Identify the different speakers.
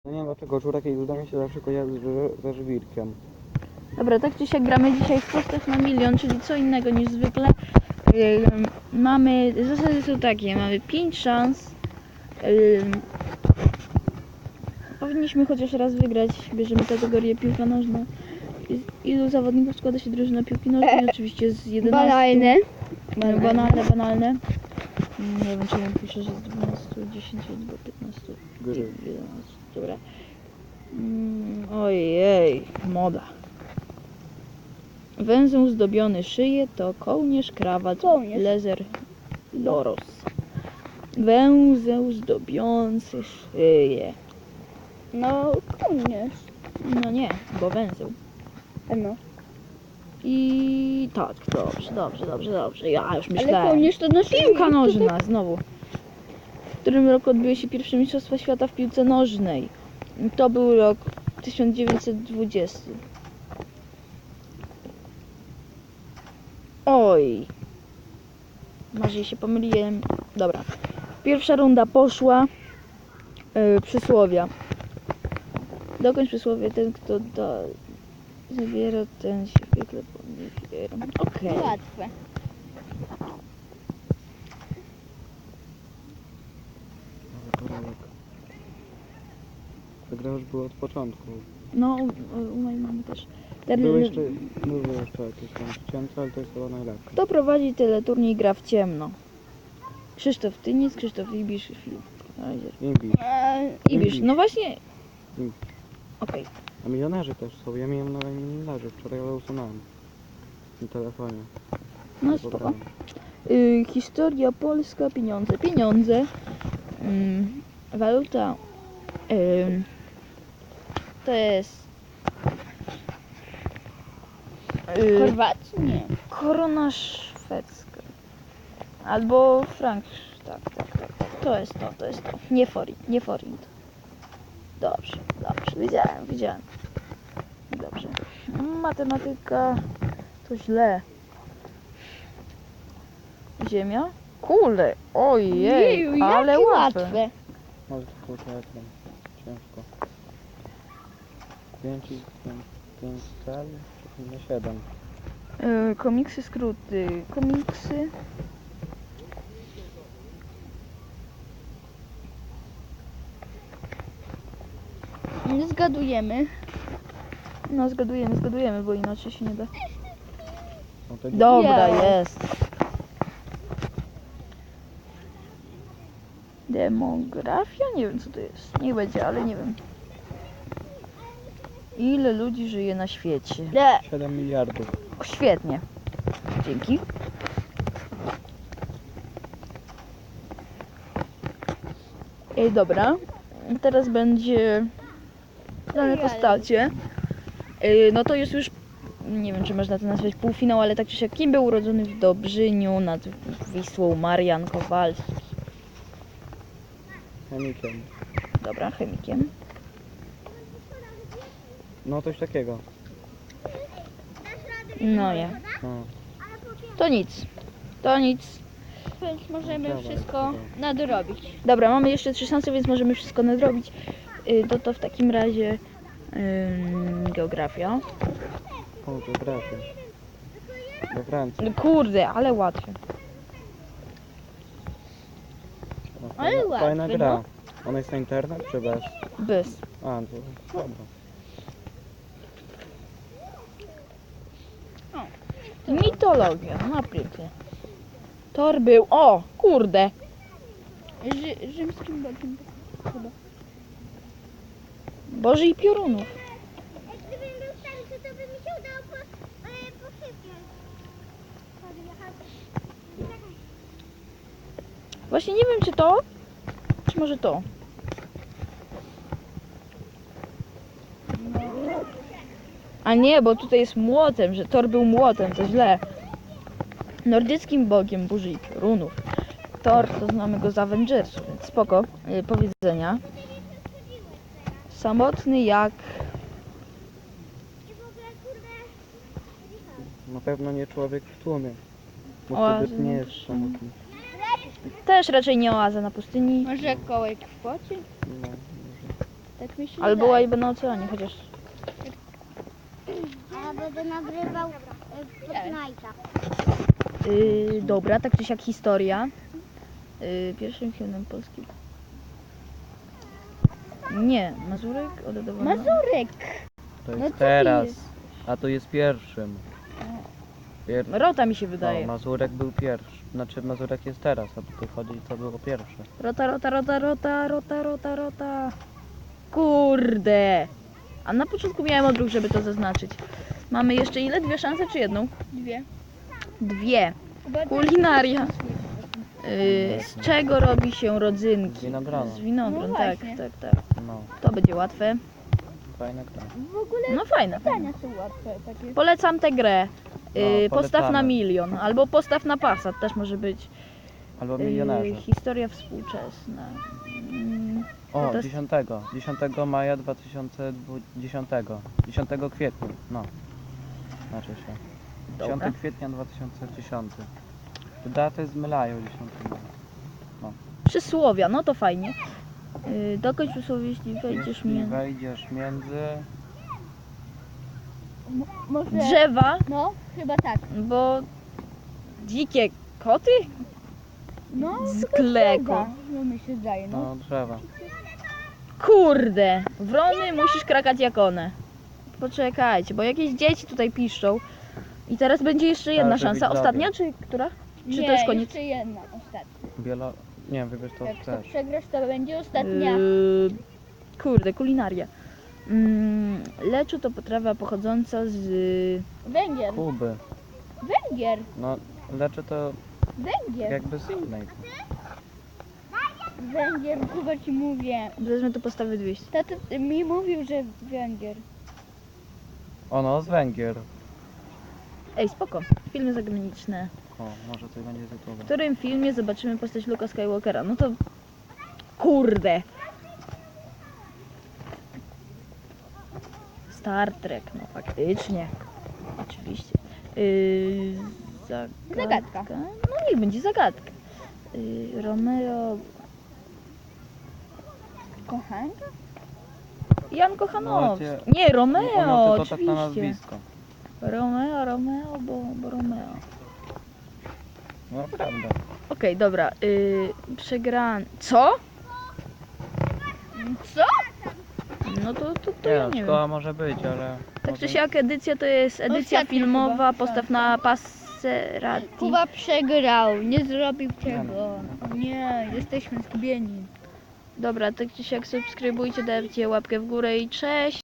Speaker 1: No nie wiem dlaczego żurek i duda mi się zawsze kojarzy ze żwirkiem.
Speaker 2: Dobra, tak czy siak gramy dzisiaj w postać na milion, czyli co innego niż zwykle. Zasady są takie, mamy 5 szans. Powinniśmy chociaż raz wygrać, bierzemy kategorię piłka nożna. Ilu zawodników składa się drużyna piłki nożnej? Oczywiście z 11. Banalne. Nie wiem, czy ja piszę, że z 12, 10 albo 15, 11. Dobra. Ojej, moda. Węzeł zdobiony szyję to kołnierz, krawat, lezer, loros. Węzeł zdobiący szyję.
Speaker 3: No, kołnierz.
Speaker 2: No nie, bo węzeł.
Speaker 3: No.
Speaker 2: I tak, dobrze. Ja już myślałem.
Speaker 3: Ale kołnierz to na
Speaker 2: Piłka nożna, znowu. W którym roku odbyły się pierwsze mistrzostwa świata w piłce nożnej? To był rok 1920. Oj. Może się pomyliłem. Dobra. Pierwsza runda poszła. Przysłowia. Dokończ przysłowie. Ten, kto zabiera, ten się zwykle poniewiera. Okej.
Speaker 3: Łatwe.
Speaker 1: Koralek. Ta gra już była od początku.
Speaker 2: No, u mojej mamy też.
Speaker 1: Były jeszcze jakieś tam ścięte, ale to jest chyba najlepsze.
Speaker 2: Kto prowadzi teleturniej gra w ciemno? Krzysztof Tyniec, Krzysztof Ibisz i Filip Kaiser.
Speaker 1: Imbisz.
Speaker 2: Ibisz, no właśnie.
Speaker 1: Imbisz.
Speaker 2: Okej.
Speaker 1: A milionerzy też są. Ja miałem nawet milionerzy. Wczoraj ale usunąłem. Na telefonie.
Speaker 2: No spoko. Historia polska, pieniądze. Waluta. To jest
Speaker 3: Chorwacji? Nie.
Speaker 2: korona szwedzka. Albo frank. Tak. To jest to. Nie forint. Dobrze. Widziałem. Dobrze. Matematyka to źle. Ziemia? Kule, ojej,
Speaker 3: Jeju,
Speaker 2: ale
Speaker 3: jakie
Speaker 2: łatwe.
Speaker 1: Może to tylko ekran. Ciężko. 5 cali? Nie 7.
Speaker 2: Komiksy, skróty. Komiksy.
Speaker 3: Nie zgadujemy.
Speaker 2: No zgadujemy, bo inaczej się nie da.
Speaker 1: No to
Speaker 2: Dobra,
Speaker 3: Ja.
Speaker 2: jest. Demografia? Nie wiem co to jest. Niech będzie, ale nie wiem. Ile ludzi żyje na świecie?
Speaker 3: Nie.
Speaker 1: 7 miliardów.
Speaker 2: O, świetnie. Dzięki. Dobra. Teraz będzie dane postacie. No to jest już, nie wiem czy można to nazwać półfinał, ale tak czy siak, kim był urodzony w Dobrzyniu nad Wisłą Marian Kowalski?
Speaker 1: Chemikiem.
Speaker 2: Dobra, chemikiem.
Speaker 1: No coś takiego.
Speaker 2: No nie.
Speaker 1: No.
Speaker 2: To nic.
Speaker 3: Więc możemy
Speaker 1: Dobra,
Speaker 3: wszystko
Speaker 1: dobra.
Speaker 3: nadrobić.
Speaker 2: Dobra, mamy jeszcze 3 szanse, więc możemy wszystko nadrobić. To w takim razie geografia.
Speaker 1: O, geografia. We Francji.
Speaker 2: No kurde, ale łatwe.
Speaker 1: No,
Speaker 3: Ale
Speaker 1: fajna
Speaker 3: łatwy,
Speaker 1: gra.
Speaker 3: no.
Speaker 1: Ona jest na internet czy bez?
Speaker 2: Bez.
Speaker 1: A, to dobra.
Speaker 2: Mitologia, no pięknie. Thor był, o kurde.
Speaker 3: Rzymskim bogiem. Chyba.
Speaker 2: Boży i piorunów.
Speaker 4: Gdybym był stary, to by mi się udało posypiać.
Speaker 2: Właśnie nie wiem czy to, czy może to. A nie, bo tutaj jest młotem, że Thor był młotem, to źle. Nordyckim bogiem burzy i piorunów. Thor to znamy go z Avengersów, więc spoko. Powiedzenia. Samotny jak...
Speaker 1: Na pewno nie człowiek w tłumie. Bo
Speaker 2: Oazy
Speaker 1: wtedy nie
Speaker 2: na
Speaker 1: jest
Speaker 2: pustyni.
Speaker 1: samotny.
Speaker 2: Też raczej nie oaza na pustyni.
Speaker 3: Może kołek w pocie?
Speaker 1: No, może.
Speaker 3: Tak mi się
Speaker 2: Albo
Speaker 3: wydaje.
Speaker 2: łajby na oceanie, chociaż...
Speaker 4: A ja będę nagrywał Fortnite'a.
Speaker 2: Dobra, tak czy siak historia. Pierwszym hymnem polskim. Nie, Mazurek oddawano.
Speaker 3: Mazurek!
Speaker 1: To
Speaker 3: No
Speaker 1: jest
Speaker 3: co ty
Speaker 1: teraz,
Speaker 3: jest?
Speaker 1: a to jest pierwszym.
Speaker 2: Rota mi się wydaje.
Speaker 1: No, Mazurek był pierwszy. Znaczy Mazurek jest teraz, a tu chodzi co było pierwsze.
Speaker 2: Rota. Kurde. A na początku miałem odruch, żeby to zaznaczyć. Mamy jeszcze ile? 2 szanse czy jedną?
Speaker 3: 2.
Speaker 2: 2. Kulinaria. Z czego robi się rodzynki?
Speaker 1: Z winogrona.
Speaker 2: Z winogron,
Speaker 3: No
Speaker 2: tak.
Speaker 3: właśnie.
Speaker 1: No,
Speaker 2: To będzie łatwe.
Speaker 1: fajna gra.
Speaker 3: W ogóle
Speaker 2: No fajne.
Speaker 3: pytania są łatwe takie.
Speaker 2: Polecam tę grę. Postaw na
Speaker 1: polecamy.
Speaker 2: milion, albo postaw na Passat, też może być.
Speaker 1: Albo milionerze.
Speaker 2: Historia współczesna.
Speaker 1: O,
Speaker 2: to jest-
Speaker 1: 10 maja 2020. 10 kwietnia, no. Znaczy się. 10
Speaker 2: Dobra.
Speaker 1: kwietnia 2010. Te daty zmylają 10 maja.
Speaker 2: Przysłowia, no to fajnie. Dokończ przysłowie, jeśli wejdziesz
Speaker 1: Jeśli
Speaker 2: między
Speaker 1: wejdziesz między...
Speaker 3: Może...
Speaker 2: drzewa,
Speaker 3: No, chyba tak.
Speaker 2: bo dzikie koty
Speaker 3: No,
Speaker 2: z
Speaker 3: chyba
Speaker 2: kleko.
Speaker 3: drzewa. No mi się zdaje, no.
Speaker 1: No, drzewa.
Speaker 2: Kurde, wrony musisz krakać jak one. Poczekajcie, bo jakieś dzieci tutaj piszczą. I teraz będzie jeszcze jedna
Speaker 1: Proszę,
Speaker 2: szansa.
Speaker 1: widzowie.
Speaker 2: Ostatnia, czy która? Czy
Speaker 3: Nie,
Speaker 2: to jest koniec?
Speaker 3: jeszcze jedna, ostatnia.
Speaker 1: Nie, wybierz to
Speaker 3: Jak to
Speaker 1: chcesz.
Speaker 3: przegrasz, to będzie ostatnia.
Speaker 2: Kurde, kulinaria. Leczu to potrawa pochodząca z...
Speaker 3: Węgier.
Speaker 1: Kuby.
Speaker 3: Węgier.
Speaker 1: No, leczy to
Speaker 3: Węgier.
Speaker 1: jakby z innej.
Speaker 3: Węgier, chyba ci mówię.
Speaker 2: Wezmę tu postawy 200.
Speaker 3: Tata mi mówił, że węgier.
Speaker 1: Ono z Węgier.
Speaker 2: Ej, spoko. Filmy zagraniczne.
Speaker 1: O, może coś będzie z
Speaker 2: W
Speaker 1: YouTube.
Speaker 2: którym filmie zobaczymy postać Luka Skywalkera? No to... Kurde! Star Trek, no faktycznie. Oczywiście.
Speaker 3: Zagadka.
Speaker 2: No niech będzie zagadka. Romeo...
Speaker 3: Kochanka?
Speaker 2: Jan Kochanowski.
Speaker 1: Macie-
Speaker 2: Nie, Romeo,
Speaker 1: Ono to tak na
Speaker 2: oczywiście.
Speaker 1: nazwisko.
Speaker 2: Romeo, bo Romeo.
Speaker 1: No, prawda.
Speaker 2: Okej, dobra. Przegran... Co?
Speaker 3: Co?
Speaker 2: No to
Speaker 1: Nie,
Speaker 2: ja
Speaker 1: no,
Speaker 2: nie wiem.
Speaker 1: szkoła może być, ale...
Speaker 2: Tak
Speaker 1: może-
Speaker 2: czy siak edycja to jest edycja
Speaker 3: Ostatnia
Speaker 2: filmowa,
Speaker 3: chyba.
Speaker 2: postaw na Passerati.
Speaker 3: Kuba przegrał, nie zrobił
Speaker 1: Nie
Speaker 3: tego. Nie, jesteśmy zgubieni.
Speaker 2: Dobra, tak czy siak subskrybujcie, dajcie łapkę w górę i cześć!